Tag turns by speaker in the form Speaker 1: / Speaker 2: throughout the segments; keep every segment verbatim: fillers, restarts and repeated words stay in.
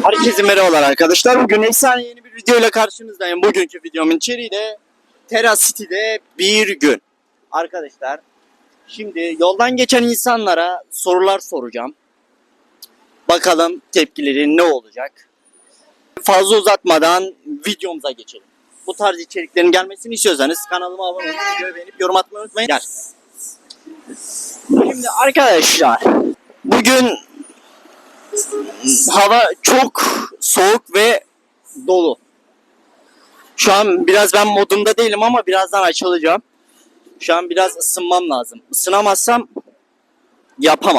Speaker 1: Herkese merhabalar arkadaşlar. Bugün efsane yeni bir video ile karşınızdayım. Bugünkü videomun içeriği de Terrace City'de bir gün. Arkadaşlar, şimdi yoldan geçen insanlara sorular soracağım. Bakalım tepkileri ne olacak? Fazla uzatmadan videomuza geçelim. Bu tarz içeriklerin gelmesini istiyorsanız kanalıma abone olmayı, videoyu beğenip yorum atmayı unutmayın. Gel. Şimdi arkadaşlar, bugün hava çok soğuk ve dolu. Şu an biraz ben modumda değilim ama birazdan açılacağım. Şu an biraz ısınmam lazım. Isınamazsam yapamam.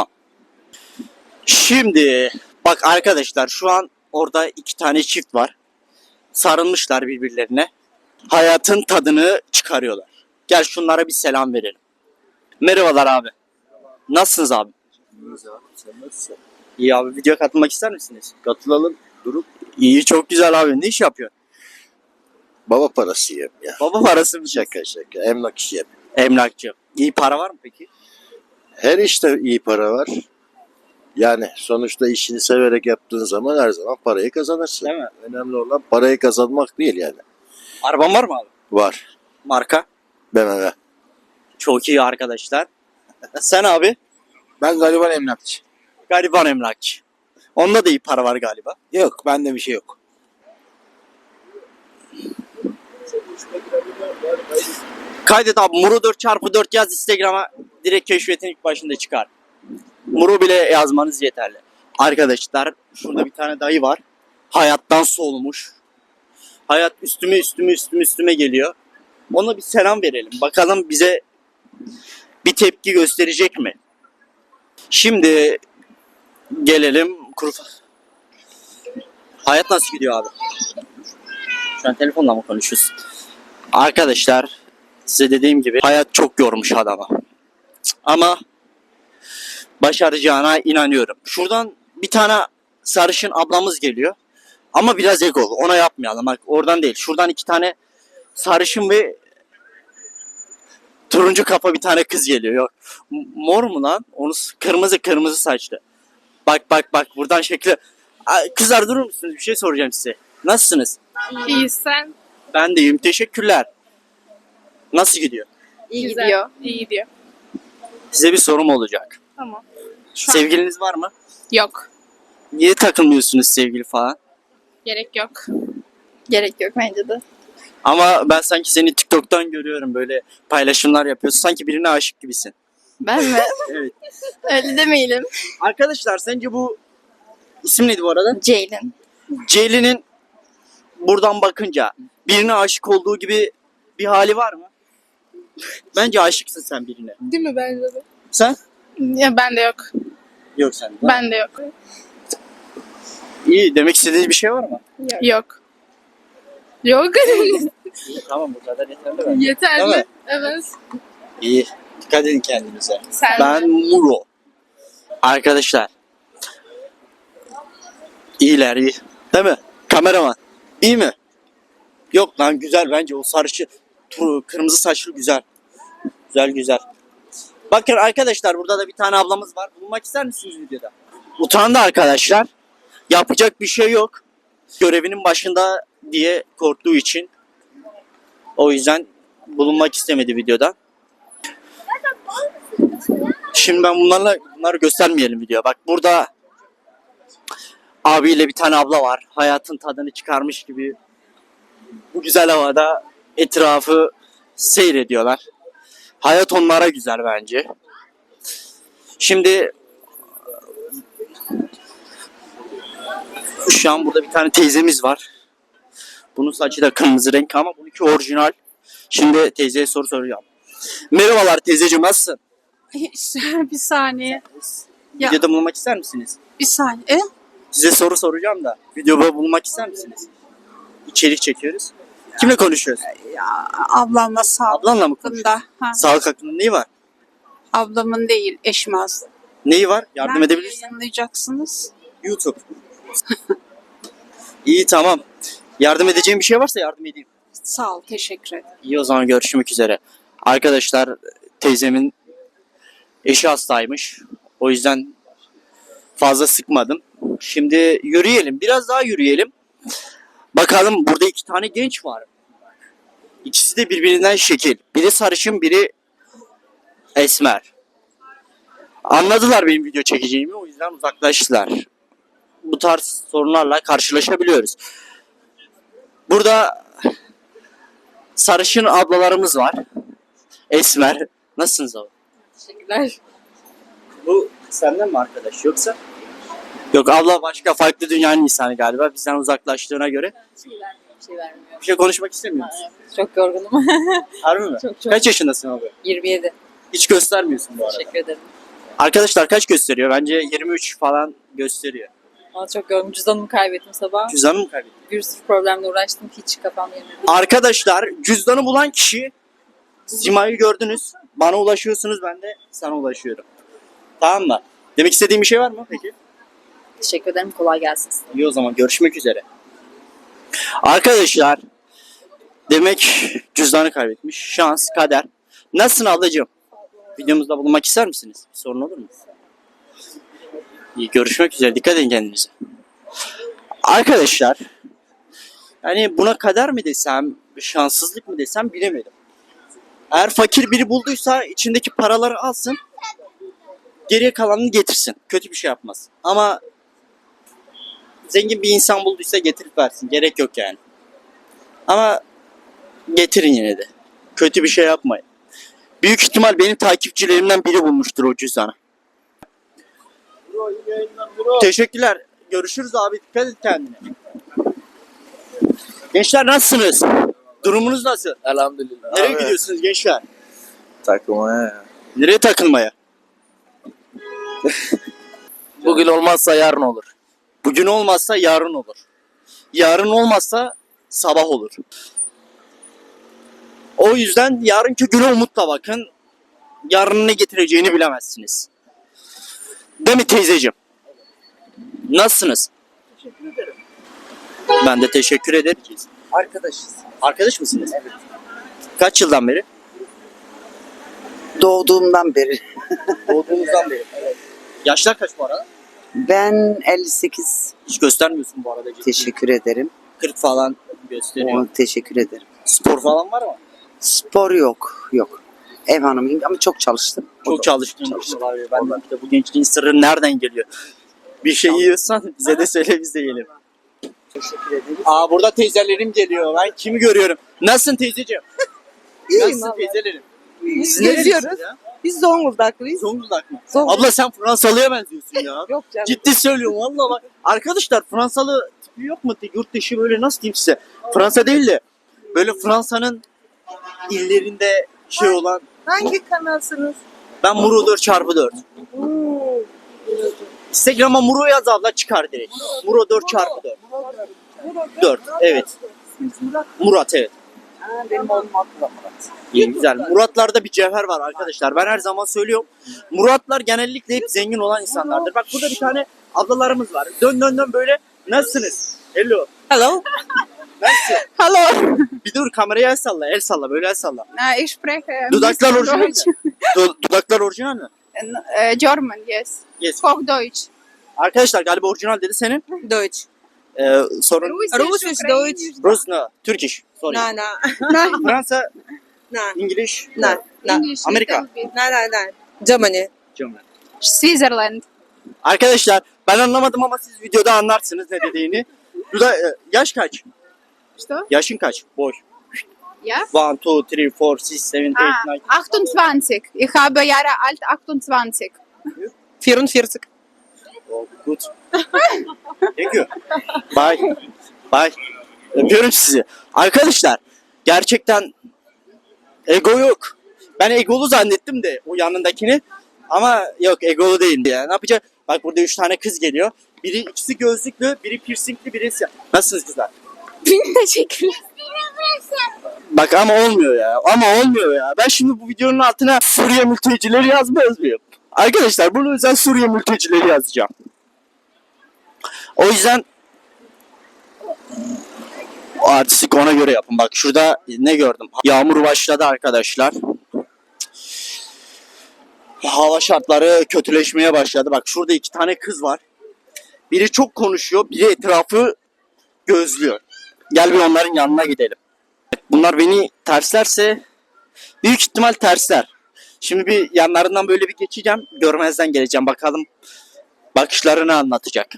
Speaker 1: Şimdi bak arkadaşlar, şu an orada iki tane çift var. Sarılmışlar birbirlerine. Hayatın tadını çıkarıyorlar. Gel şunlara bir selam verelim. Merhabalar abi. Nasılsınız abi?
Speaker 2: Sen nasılsın?
Speaker 1: İyi abi, videoya katılmak ister misiniz?
Speaker 2: Katılalım. Durup
Speaker 1: İyi, çok güzel abi. Ne iş yapıyorsun?
Speaker 2: baba parası yiyeyim ya.
Speaker 1: Baba parası mı?
Speaker 2: Şaka şaka. Emlak işi yap.
Speaker 1: Emlakçı. İyi para var mı peki?
Speaker 2: Her işte iyi para var. Yani sonuçta işini severek yaptığın zaman her zaman parayı kazanırsın.
Speaker 1: Değil mi?
Speaker 2: Önemli olan parayı kazanmak değil yani.
Speaker 1: Araban var mı abi?
Speaker 2: Var.
Speaker 1: Marka?
Speaker 2: B M W.
Speaker 1: Çok iyi arkadaşlar. Sen abi?
Speaker 3: Ben galiba emlakçı.
Speaker 1: Gariban emlakçı. Onda da iyi para var galiba.
Speaker 3: Yok, bende bir şey yok.
Speaker 1: Kaydet abi. Muru dört çarpı dört yaz Instagram'a, direkt keşfetin ilk başında çıkar. Muru bile yazmanız yeterli. Arkadaşlar, şurada bir tane dayı var. Hayattan soğumuş. Hayat üstüme üstüme üstüme üstüme geliyor. Ona bir selam verelim. Bakalım bize bir tepki gösterecek mi? Şimdi gelelim kuru... Hayat nasıl gidiyor abi? Şu an telefonla mı konuşuyorsun? Arkadaşlar, size dediğim gibi hayat çok yormuş adamı. Ama başaracağına inanıyorum. Şuradan bir tane sarışın ablamız geliyor. Ama biraz egolu. Ona yapmayalım. Bak, oradan değil. Şuradan iki tane sarışın ve turuncu kafa bir tane kız geliyor. Yok. M- Mor mu lan? Onu s- kırmızı kırmızı saçlı. Bak bak bak, buradan şekli. Ay, kızlar durur musunuz? Bir şey soracağım size. Nasılsınız?
Speaker 4: İyi sen.
Speaker 1: Ben de iyiyim. Teşekkürler. Nasıl gidiyor?
Speaker 4: İyi gidiyor. İyi gidiyor.
Speaker 1: Size bir sorum olacak.
Speaker 4: Tamam. Şu an
Speaker 1: Sevgiliniz var mı?
Speaker 4: yok.
Speaker 1: Niye takılmıyorsunuz sevgili falan?
Speaker 4: Gerek yok.
Speaker 5: Gerek yok bence de.
Speaker 1: Ama ben sanki seni TikTok'tan görüyorum, böyle paylaşımlar yapıyorsun. Sanki birine aşık gibisin.
Speaker 5: Ben mi?
Speaker 1: Evet.
Speaker 5: Öyle demeyelim.
Speaker 1: Arkadaşlar, sence bu isim neydi bu arada?
Speaker 5: Ceylin.
Speaker 1: Ceylin'in buradan bakınca birine aşık olduğu gibi bir hali var mı? Bence aşıksın sen birine.
Speaker 4: Değil mi bence de?
Speaker 1: Sen?
Speaker 4: Ya bende yok.
Speaker 1: Yok sen.
Speaker 4: Bende yok.
Speaker 1: İyi, demek istediğiniz bir şey var mı?
Speaker 4: Yok. Yok.
Speaker 1: İyi, tamam, bu kadar yeterli bence. Değil
Speaker 4: Yeterli.
Speaker 1: mi?
Speaker 4: Evet.
Speaker 1: İyi. Dikkat edin kendinize.
Speaker 4: Sen
Speaker 1: Ben
Speaker 4: de.
Speaker 1: Muro. Arkadaşlar. İyiler, iyi. Değil mi? Kameraman. İyi mi? Yok lan, güzel bence o sarışı. Tur, kırmızı saçlı güzel. Güzel güzel. Bakın arkadaşlar, burada da bir tane ablamız var. Bulunmak ister misiniz videoda? Utandı arkadaşlar. Yapacak bir şey yok. Görevinin başında diye korktuğu için. O yüzden bulunmak istemedi videoda. Şimdi ben bunlarla bunları göstermeyelim video. Bak, burada abiyle bir tane abla var. Hayatın tadını çıkarmış gibi bu güzel havada etrafı seyrediyorlar. Hayat onlara güzel bence. Şimdi şu an burada bir tane teyzemiz var. Bunun saçı da kırmızı renk ama bununki orijinal. Şimdi teyzeye soru soracağım. Merhabalar teyzeciğim, nasılsın?
Speaker 4: Bir saniye. Ya.
Speaker 1: Videoda bulunmak ister misiniz?
Speaker 4: Bir saniye.
Speaker 1: Size soru soracağım da videoda bulunmak ister misiniz? İçerik çekiyoruz. Kimle konuşuyoruz?
Speaker 6: Ablamla sağlık
Speaker 1: Ablanla mı konuşuyoruz?
Speaker 6: hakkında. Ha,
Speaker 1: Sağlık hakkında neyi var?
Speaker 6: ablamın değil, eşim aslında.
Speaker 1: Neyi var? Yardım
Speaker 6: Nerede
Speaker 1: edebilirsin.
Speaker 6: yayınlayacaksınız?
Speaker 1: YouTube. İyi, tamam. Yardım edeceğim bir şey varsa yardım edeyim.
Speaker 6: Sağ ol, teşekkür ederim.
Speaker 1: İyi, o zaman görüşmek üzere. Arkadaşlar, teyzemin eşi hastaymış. O yüzden Fazla sıkmadım. Şimdi yürüyelim. Biraz daha yürüyelim. Bakalım, burada iki tane genç var. İkisi de birbirinden şekil. Biri sarışın, biri esmer. Anladılar benim video çekeceğimi, o yüzden uzaklaştılar. Bu tarz sorunlarla karşılaşabiliyoruz. Burada sarışın ablalarımız var. Esmer. Nasılsınız abi?
Speaker 7: Teşekkürler.
Speaker 1: Bu senden mi arkadaş yoksa? Yok, abla başka farklı dünyanın insanı galiba. Bizden uzaklaştığına göre.
Speaker 7: Bir şey vermiyor. Bir şey vermiyor.
Speaker 1: Bir şey konuşmak istemiyor musun?
Speaker 7: Çok yorgunum.
Speaker 1: Harbi mi?
Speaker 7: Çok çok.
Speaker 1: Kaç yaşındasın abi?
Speaker 7: yirmi yedi.
Speaker 1: Hiç göstermiyorsun bu arada.
Speaker 7: Teşekkür ederim.
Speaker 1: Arkadaşlar kaç gösteriyor? Bence yirmi üç falan gösteriyor.
Speaker 7: Ama çok yorgunum. Cüzdanımı kaybettim sabah.
Speaker 1: Cüzdanı mı kaybettin?
Speaker 7: Bir sürü problemle uğraştım. Hiç kafam yemedi.
Speaker 1: Arkadaşlar cüzdanı bulan kişi, Sima'yı gördünüz. Bana ulaşıyorsunuz, ben de sana ulaşıyorum. Tamam mı? Demek istediğim bir şey var mı peki?
Speaker 7: Teşekkür ederim. Kolay gelsin size.
Speaker 1: İyi, o zaman görüşmek üzere. Arkadaşlar demek cüzdanı kaybetmiş. Şans, kader. Nasılsın ablacığım? Videomuzda bulunmak ister misiniz? Bir sorun olur mu? İyi, görüşmek üzere. Dikkat edin kendinize. Arkadaşlar yani buna kader mi desem, şanssızlık mı desem bilemedim. Eğer fakir biri bulduysa içindeki paraları alsın, geriye kalanını getirsin. Kötü bir şey yapmaz. Ama zengin bir insan bulduysa getirip versin. Gerek yok yani. Ama getirin yine de. Kötü bir şey yapmayın. Büyük ihtimal benim takipçilerimden biri bulmuştur o cüzdanı. Teşekkürler. Görüşürüz abi. Dikkat et kendine. Gençler nasılsınız? Durumunuz nasıl?
Speaker 3: Elhamdülillah.
Speaker 1: Nereye gidiyorsunuz gençler?
Speaker 3: Takılmaya.
Speaker 1: Nereye takılmaya?
Speaker 3: Bugün olmazsa yarın olur.
Speaker 1: Bugün olmazsa yarın olur. Yarın olmazsa sabah olur. O yüzden yarınki güne umutla bakın. Yarın ne getireceğini bilemezsiniz. Değil mi teyzeciğim? Nasılsınız?
Speaker 8: Teşekkür ederim.
Speaker 1: Ben de teşekkür ederim.
Speaker 8: Arkadaşız.
Speaker 1: Arkadaş mısınız? Evet. Kaç yıldan beri?
Speaker 8: Doğduğumdan beri.
Speaker 1: Doğduğunuzdan beri. Yaşlar kaç bu arada?
Speaker 8: Ben elli sekiz.
Speaker 1: Hiç göstermiyorsun bu arada.
Speaker 8: Teşekkür ederim.
Speaker 1: kırk falan gösteriyor.
Speaker 8: O, teşekkür ederim.
Speaker 1: Spor falan var mı?
Speaker 8: Spor yok. Yok. Ev hanımıyım ama çok çalıştım. O
Speaker 1: Çok
Speaker 8: da-
Speaker 1: çalıştın.
Speaker 8: çalıştım.
Speaker 1: Ben de işte bu gençliğin sırrı nereden geliyor? Bir şey yiyorsan bize de söyle, biz de yiyelim.
Speaker 8: Teşekkür ederim.
Speaker 1: Aa, burada teyzelerim geliyor. Ben kimi görüyorum? Nasılsın teyzeciğim?
Speaker 9: İyiyim
Speaker 1: Nasılsın
Speaker 9: vallahi.
Speaker 1: teyzelerim? Siz
Speaker 9: Geziyoruz.
Speaker 1: nerelisiniz ya?
Speaker 9: Biz Zonguldaklıyız.
Speaker 1: Zonguldak mı?
Speaker 9: Zonguldak.
Speaker 1: Abla sen Fransalı'ya benziyorsun ya.
Speaker 9: Yok canım.
Speaker 1: Ciddi söylüyorum valla bak. Arkadaşlar Fransalı tipi yok mu? Yurt dışı böyle nasıl diyeyim size? Fransa değil de böyle Fransa'nın illerinde şey olan.
Speaker 9: Hangi kanalsınız?
Speaker 1: Ben Muro dört çarpı dört.
Speaker 9: Oo.
Speaker 1: Instagram'a Muro yaz abla, çıkar direkt. Muro dört çarpı dört. dört evet. Murat evet.
Speaker 8: Ha, benim oğlum adı da Murat.
Speaker 1: İyi, güzel. Muratlarda bir cevher var arkadaşlar. Ben her zaman söylüyorum. Muratlar genellikle hep zengin olan insanlardır. Bak burada bir tane ablalarımız var. Dön dön dön böyle. Nasılsınız? Hello.
Speaker 6: Hello.
Speaker 1: Nasılsın?
Speaker 6: Hello.
Speaker 1: Bir dur, kameraya el salla. El salla. Böyle el salla.
Speaker 6: Uh, ich spreche
Speaker 1: Dudaklar
Speaker 6: ein
Speaker 1: orijinal mi?
Speaker 6: bisschen
Speaker 1: Du- dudaklar orijinal mi?
Speaker 6: Deutsch. Uh, German, yes.
Speaker 1: Yes.
Speaker 6: Hochdeutsch.
Speaker 1: Arkadaşlar galiba orijinal dedi senin.
Speaker 9: Deutsch.
Speaker 1: Ee, sorun.
Speaker 9: Russisch, Deutsch.
Speaker 1: Rus no. Turkish. Sorry.
Speaker 9: Nein, nein.
Speaker 6: Nein,
Speaker 1: Fransa.
Speaker 9: Nein.
Speaker 1: İngiliz.
Speaker 9: Nein, nein.
Speaker 6: English.
Speaker 1: Amerika.
Speaker 6: little bit.
Speaker 9: Nein, nein, nein. Germany.
Speaker 1: German.
Speaker 6: Switzerland.
Speaker 1: Arkadaşlar ben anlamadım ama siz videoda anlarsınız ne dediğini. Duda, e, yaş kaç?
Speaker 6: Что?
Speaker 1: Yaşın kaç? Boy.
Speaker 6: Ja?
Speaker 1: one, two, three, four, six, seven,
Speaker 6: Ah,
Speaker 1: eight, nine.
Speaker 6: achtundzwanzig. Ich habe Jahre alt achtundzwanzig.
Speaker 9: vierundvierzig.
Speaker 1: Oh, good. Thank you. Bye. Bye. Öpüyorum sizi. Arkadaşlar gerçekten ego yok. Ben egolu zannettim de o yanındakini. Ama yok, egolu değildi ya. Ne yapacak? Bak burada üç tane kız geliyor. Biri ikisi gözlüklü, biri piercingli, biri siyah. Nasılsınız kızlar?
Speaker 6: Teşekkürler.
Speaker 1: Bak ama olmuyor ya. Ama olmuyor ya. Ben şimdi bu videonun altına Suriye mültecileri yazmaz mıyım? Arkadaşlar bunu özel Suriye mültecileri yazacağım. O yüzden o artistik ona göre yapın. Bak şurada ne gördüm? Yağmur başladı arkadaşlar. Hava şartları kötüleşmeye başladı. Bak şurada iki tane kız var. Biri çok konuşuyor, biri etrafı gözlüyor. Gel bir onların yanına gidelim. Bunlar beni terslerse büyük ihtimal tersler. Şimdi bir yanlarından böyle bir geçeceğim. Görmezden geleceğim. Bakalım bakışları ne anlatacak.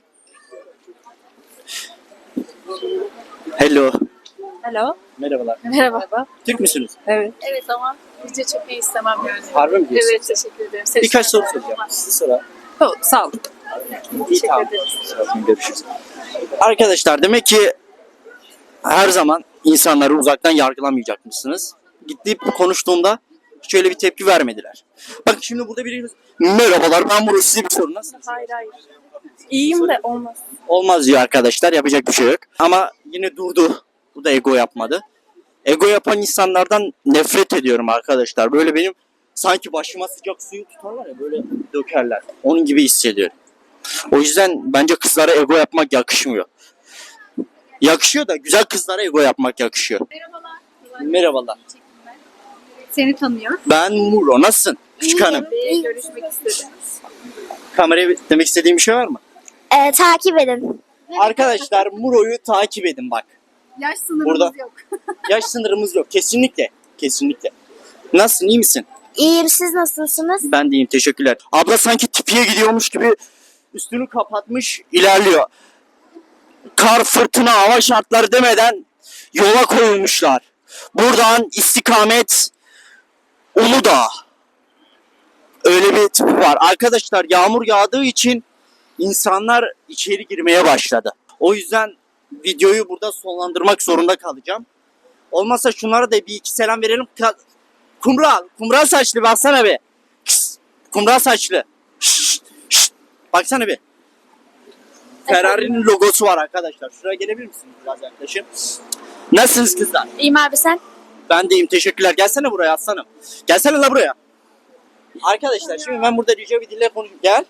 Speaker 1: Hello.
Speaker 7: Hello.
Speaker 1: Merhabalar.
Speaker 7: Merhaba.
Speaker 1: Türk müsünüz?
Speaker 7: Evet.
Speaker 4: Evet ama bizce çok iyi istemem yani.
Speaker 1: Harbi mi diyorsun?
Speaker 4: Evet teşekkür ederim.
Speaker 1: Birkaç soru soracağım. Size sonra.
Speaker 7: Oh, sağ ol.
Speaker 1: İyi, tamam. Görüşürüz. Arkadaşlar demek ki her zaman insanları uzaktan yargılamayacakmışsınız. Gidip konuştuğumda şöyle bir tepki vermediler. Bak şimdi burada biri merhabalar ben burası size bir sorun nasılsınız?
Speaker 4: Hayır hayır. İyiyim de olmaz.
Speaker 1: Olmaz diyor arkadaşlar yapacak bir şey yok. Ama yine durdu. Bu da ego yapmadı. Ego yapan insanlardan nefret ediyorum arkadaşlar. Böyle benim sanki başıma sıcak suyu tutarlar ya böyle dökerler. Onun gibi hissediyorum. O yüzden bence kızlara ego yapmak yakışmıyor. Yakışıyor da güzel kızlara ego yapmak yakışıyor.
Speaker 6: Merhabalar.
Speaker 1: Merhabalar.
Speaker 6: Seni tanıyor.
Speaker 1: Ben Muro. Nasılsın? Küçük hanım.
Speaker 6: İyi. Görüşmek istedim.
Speaker 1: Kameraya demek istediğim bir şey var mı?
Speaker 5: Ee, takip edin.
Speaker 1: Arkadaşlar Muro'yu takip edin bak.
Speaker 6: Yaş sınırımız
Speaker 1: Burada.
Speaker 6: yok.
Speaker 1: Yaş sınırımız yok. Kesinlikle. Kesinlikle. Nasılsın? İyi misin?
Speaker 5: İyiyim, siz nasılsınız?
Speaker 1: Ben de iyiyim. Teşekkürler. Abla sanki tipiye gidiyormuş gibi üstünü kapatmış ilerliyor. Kar, fırtına, hava şartları demeden yola koyulmuşlar. Buradan istikamet Uludağ. Öyle bir tipi var. Arkadaşlar yağmur yağdığı için insanlar içeri girmeye başladı. O yüzden videoyu burada sonlandırmak zorunda kalacağım. Olmazsa şunlara da bir iki selam verelim. Ka- Kumral, kumral saçlı baksana bir. Kıs, kumral saçlı. Şşt, şşt. Baksana bir. Ferrari'nin logosu var arkadaşlar. Şuraya gelebilir misiniz biraz yaklaşın? Nasılsınız kızlar?
Speaker 5: İyiyim abi, sen?
Speaker 1: Ben deyim teşekkürler. Gelsene buraya aslanım. Gelsene la buraya. Arkadaşlar şimdi ben burada rica bir dille konuşayım. Gel.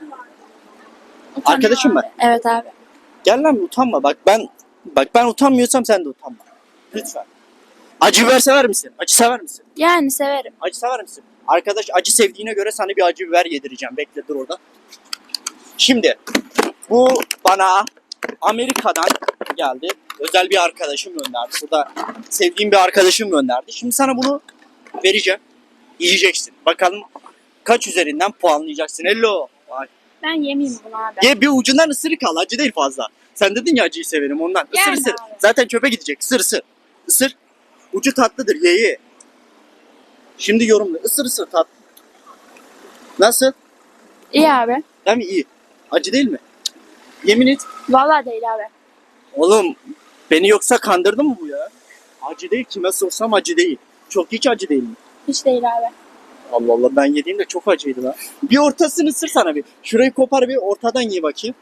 Speaker 1: Arkadaşım ben.
Speaker 5: Evet abi.
Speaker 1: Gel lan utanma. Bak ben bak ben utanmıyorsam sen de utanma. Lütfen. Acı biber sever misin? Acı sever misin?
Speaker 5: Yani severim.
Speaker 1: Acı sever misin? Arkadaş acı sevdiğine göre sana bir acı biber yedireceğim. Bekle dur orada. Şimdi bu bana Amerika'dan geldi. Özel bir arkadaşım gönderdi. Burada sevdiğim bir arkadaşım gönderdi. Şimdi sana bunu vereceğim. Yiyeceksin. Bakalım kaç üzerinden puanlayacaksın. Hello. Vay.
Speaker 5: Ben yemeyeyim bunu abi.
Speaker 1: Ye bir ucundan ısırık al. Acı değil fazla. Sen dedin ya acıyı severim ondan. Isır
Speaker 5: Yani
Speaker 1: ısır.
Speaker 5: abi.
Speaker 1: Zaten çöpe gidecek. Isır ısır. Isır. Ucu tatlıdır. Ye ye. Şimdi yorumla. Isır ısır tat. Nasıl?
Speaker 5: İyi abi.
Speaker 1: Değil mi? İyi. Acı değil mi? Yemin et.
Speaker 5: Vallahi değil abi.
Speaker 1: Oğlum beni yoksa kandırdı mı bu ya? Acı değil. Kime sorsam acı değil. Çok hiç acı değil mi?
Speaker 5: Hiç değil abi.
Speaker 1: Allah Allah ben yediğimde çok acıydı lan. Bir ortasını ısır sana bir. Şurayı kopar bir ortadan ye bakayım.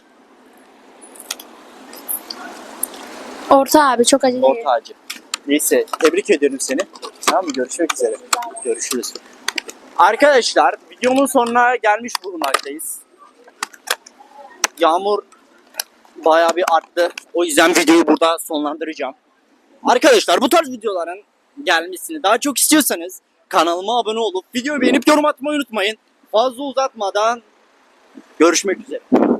Speaker 5: Orta abi, çok acı değil.
Speaker 1: Orta acı. Neyse tebrik ediyorum seni. Tamam mı? Görüşmek üzere. Görüşürüz. Arkadaşlar videomun sonuna gelmiş bulunmaktayız. Yağmur bayağı bir arttı. O yüzden videoyu burada sonlandıracağım. Arkadaşlar bu tarz videoların gelmesini daha çok istiyorsanız kanalıma abone olup videoyu beğenip yorum atmayı unutmayın. Fazla uzatmadan görüşmek üzere.